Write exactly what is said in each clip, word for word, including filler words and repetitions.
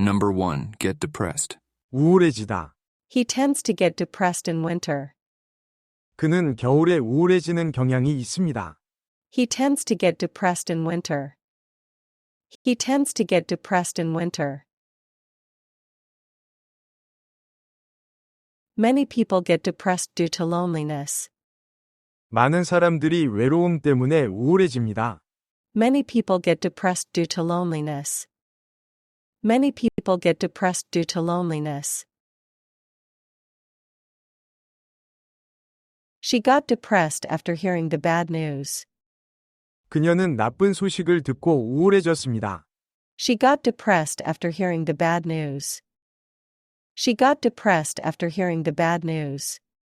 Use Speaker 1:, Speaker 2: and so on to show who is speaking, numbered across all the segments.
Speaker 1: Number one. Get depressed.
Speaker 2: 우울해지다.
Speaker 3: He tends to get depressed in winter.
Speaker 2: 그는 겨울에 우울해지는 경향이 있습니다.
Speaker 3: He tends to get depressed in winter. He tends to get depressed in winter. Many people get depressed due to loneliness.
Speaker 2: 많은 사람들이 외로움 때문에 우울해집니다.
Speaker 3: Many people get depressed due to loneliness. Many people get depressed due to loneliness. She got depressed after hearing the bad news.
Speaker 2: 그녀는 나쁜 소식을 듣고 우울해졌습니다.
Speaker 3: She got depressed after hearing the bad news. She got depressed after hearing the bad news.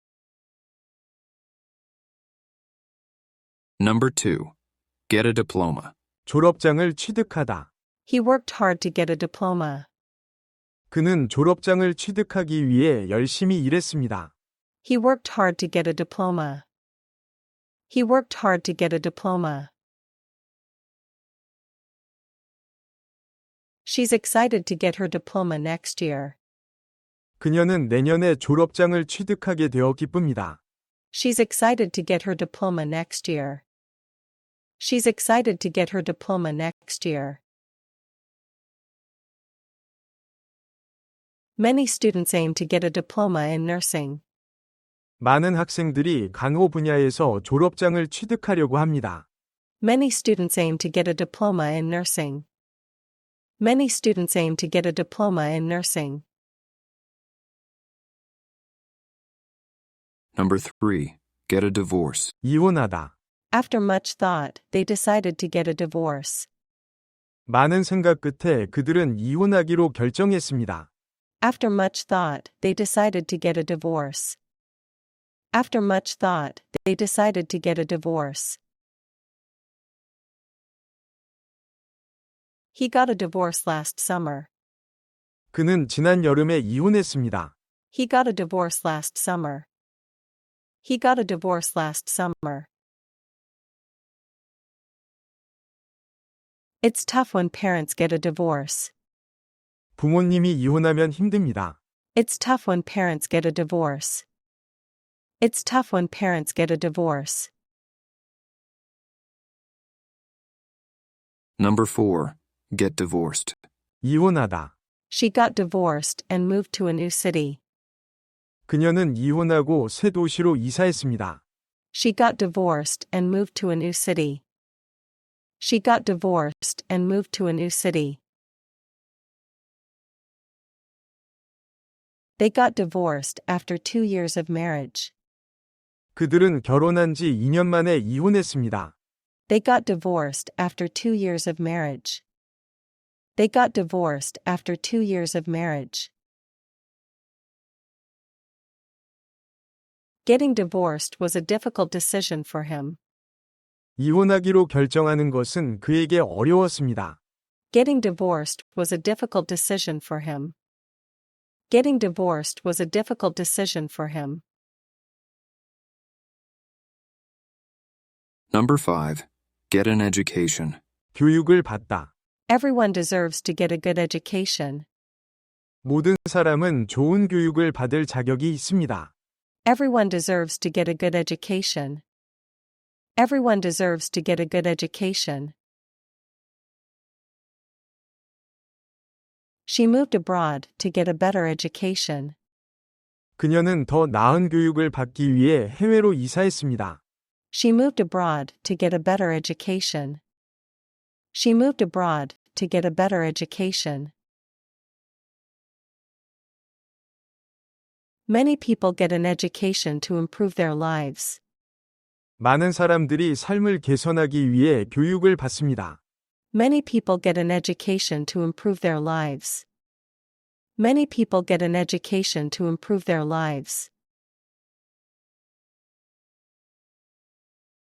Speaker 1: Number two. Get a diploma.
Speaker 2: 졸업장을 취득하다.
Speaker 3: He worked hard to get a diploma.
Speaker 2: 그는 졸업장을 취득하기 위해 열심히 일했습니다.
Speaker 3: He worked hard to get a diploma. He worked hard to get a diploma. She's excited to get her diploma next year.
Speaker 2: 그녀는 내년에 졸업장을 취득하게 되어 기쁩니다.
Speaker 3: She's excited to get her diploma next year. She's excited to get her diploma next year. Many students aim to get a diploma in nursing.
Speaker 2: 많은 학생들이 간호 분야에서 졸업장을 취득하려고 합니다.
Speaker 3: Many students aim to get a diploma in nursing. Many students aim to get a diploma in nursing.
Speaker 1: Number three. Get a divorce.
Speaker 2: 이혼하다.
Speaker 3: After much thought, they decided to get a divorce.
Speaker 2: 많은 생각 끝에 그들은 이혼하기로 결정했습니다.
Speaker 3: After much thought, they decided to get a divorce. After much thought, they decided to get a divorce. He got a divorce last summer.
Speaker 2: 그는 지난 여름에 이혼했습니다.
Speaker 3: He got a divorce last summer. He got a divorce last summer. It's tough when parents get a divorce.
Speaker 2: 부모님이 이혼하면 힘듭니다.
Speaker 3: It's tough when parents get a divorce. It's tough when parents get a divorce.
Speaker 1: Number four. Get divorced.
Speaker 2: 이혼하다.
Speaker 3: She got divorced and moved to a new city.
Speaker 2: 그녀는 이혼하고 새 도시로 이사했습니다.
Speaker 3: She got divorced and moved to a new city. She got divorced and moved to a new city. They got divorced after two years of marriage.
Speaker 2: 그들은 결혼한 지 이 년 만에 이혼했습니다.
Speaker 3: They got divorced after two years of marriage. They got divorced after two years of marriage. Getting divorced was a difficult decision for him.
Speaker 2: 이혼하기로 결정하는 것은 그에게 어려웠습니다.
Speaker 3: Getting divorced was a difficult decision for him. Getting divorced was a difficult decision for him.
Speaker 1: Number five. Get an education.
Speaker 2: 교육을 받다.
Speaker 3: Everyone deserves to get a good education.
Speaker 2: 모든 사람은 좋은 교육을 받을 자격이 있습니다.
Speaker 3: Everyone deserves to get a good education. Everyone deserves to get a good education. She moved abroad to get a better education.
Speaker 2: 그녀는 더 나은 교육을 받기 위해 해외로 이사했습니다.
Speaker 3: She moved abroad to get a better education. She moved abroad to get a better education. Many people get an education to improve their lives.
Speaker 2: 많은 사람들이 삶을 개선하기 위해 교육을 받습니다.
Speaker 3: Many people get an education to improve their lives. Many people get an education to improve their lives.